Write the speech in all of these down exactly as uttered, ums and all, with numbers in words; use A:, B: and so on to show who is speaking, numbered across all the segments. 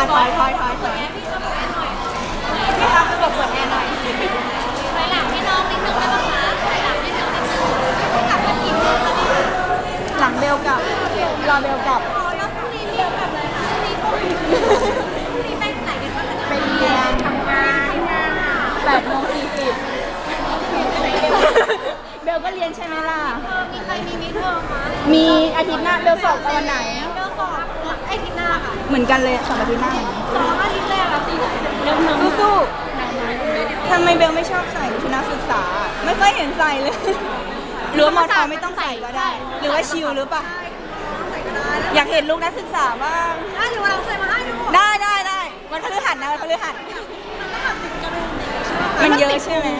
A: ถอยถอยถอยถอยพี่ครับกดเปิดแอร์หน่อยถอยหลังให้น้องนิดนึงได้ไหมคะถอยหลังให้น้องนิดนึงกลับมากี่โมงคะเนี่ยหลังเบลกับรอเบลกับอ๋อแล้วพรุ่งนี้เบลกับอะไรคะพรุ่งนี้พรุ่งนี้ไปไหนกันบ้างคะไปเรียนทำงานแปดโมงสี่สิบเบลก็เรียนใช่ไหมล่ะมีใครมีมิดเทอมคะมีอาทิตย์หน้าเบลสอบตอนไหนเบลสอบอาทิตย์หน้าค่ะเหมือนกันเลยสอบอาทิตย์หน้าสอบอาทิตย์แรกอะสิเริ่มน้ำสู้ๆทำไมเบลไม่ชอบใส่ชุดนักศึกษาไม่ค่อยเห็นใส่เลยหรือว่ามอทอไม่ต้องใส่ก็ได้หรือว่าชิลหรือเปล่าอยากเห็นลูกนักศึกษาบ้างได้หรือว่าเราใส่มาให้ดูได้ได้ได้วันพฤหัสนะวันพฤหัสมันเยอะใช่ไหม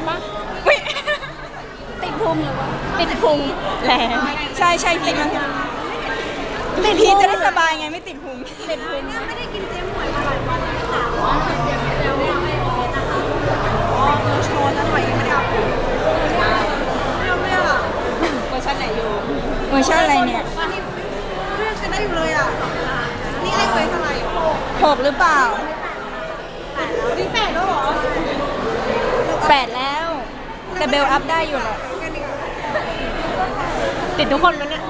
A: ติดพุงหรือว่าติดพุงแรงใช่ใช่พีมันติดพีจะได้สบายไงไม่ติดพุงติดพุงไม่ได้กินเจ๊หมวยมาหลายวันแล้วค่ะว่าเดี๋ยวเนี่ยไม่โอเคนะคะอ๋อเออโชว์แล้วหน่อยยังไม่ได้เอาไม่เอาไม่เอาเวอร์ชันไหนอยู่เวอร์ชันอะไรเนี่ยวันนี้เรื่องกันได้อยู่เลยอ่ะนี่ไอ้เวอร์เท่าไหร่หกหรือเปล่านี่แปดแล้วเหรอแปดแล้วแต่เบลอัพได้อยู่แหละติดทุกคนแล้วเนี่ย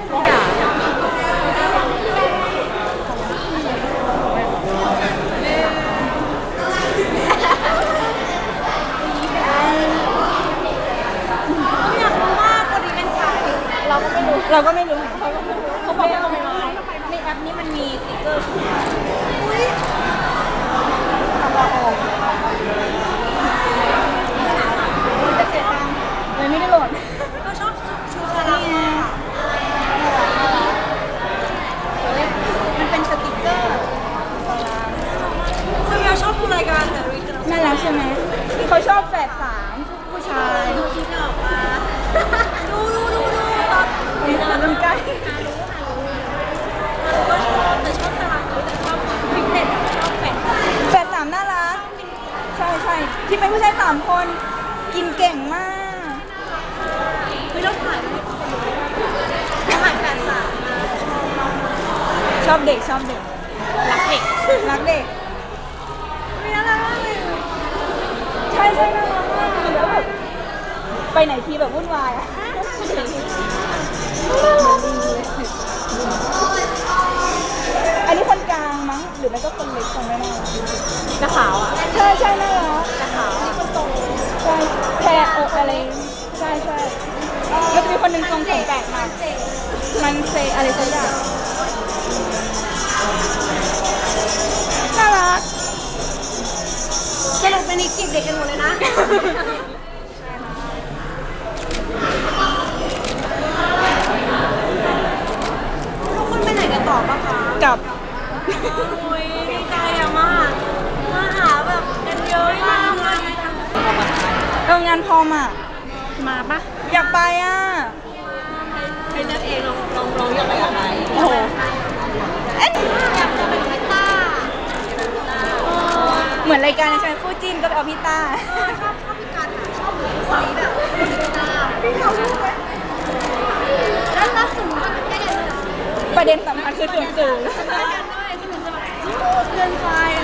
A: อยากรู้ว่าคนนี้เป็นใครเราก็ไม่รู้เราก็ไม่รู้เขาก็ไม่รู้เขาบอกว่าไม่รู้ในแอปนี้มันมีสติ๊กเกอร์อุ้ยทำเราออกจะเสียตังค์เลยไม่ได้โหลดก็ชอบชูชาลามันเป็นสติ๊กเกอร์คือเราชอบดูรายการแต่น่ารักใช่ไหมเขาชอบแฝดสามผู้ชายดูที่หนอกมาดูดูดูดูตอนนี้ตอนใกล้ก็ชอบแต่ชอบตารางแต่ชอบพิกเน็ตชอบแฝดแฝดสามน่ารักใช่ใช่ที่เป็นผู้ชายสามคนกินเก่งมากไม่ต้องถ่ายไม่ต้องถ่ายแฝดสามชอบเด็กชอบเด็กรักเด็กรักเด็กไม่น่ารักเลยใช่ใช่น่ารักมากแล้วแบบไปไหนทีแบบวุ่นวายอ่ะอันนี้คนกลางมั้งหรือไม่ก็คนเล็กคนไม่น่ารักกระขาวอ่ะใช่ใช่น่ารักกระขาวนี่คนโตใช่แพรอกอะไรใช่ใช่แล้วมีคนหนึ่งทรงผมแปลกมากมันเซอะไรสักอย่างน่ารักสรุปเป็นอีกจีบเด็กกันหมดเลยนะทุกคนไปไหนกันต่อปะคะกลับโอ้ยดีใจอะมากมาหาแบบกันเยอะมากเลยเอองานพอมอ่ะมาปะอยากไปอ่ะให้นักเองลองลองลองอยากไปกับใครโอ้โหอยากจะเป็นพี่ต้าเหมือนรายการใช่ไหมคู่จิ้นก็ไปเอาพี่ต้าชอบชอบพี่การชอบคนนี้แบบพี่ต้าพี่เขาพูดไหมแล้วล่าสุดประเด็นสำคัญคือส่วนสูงเกินไป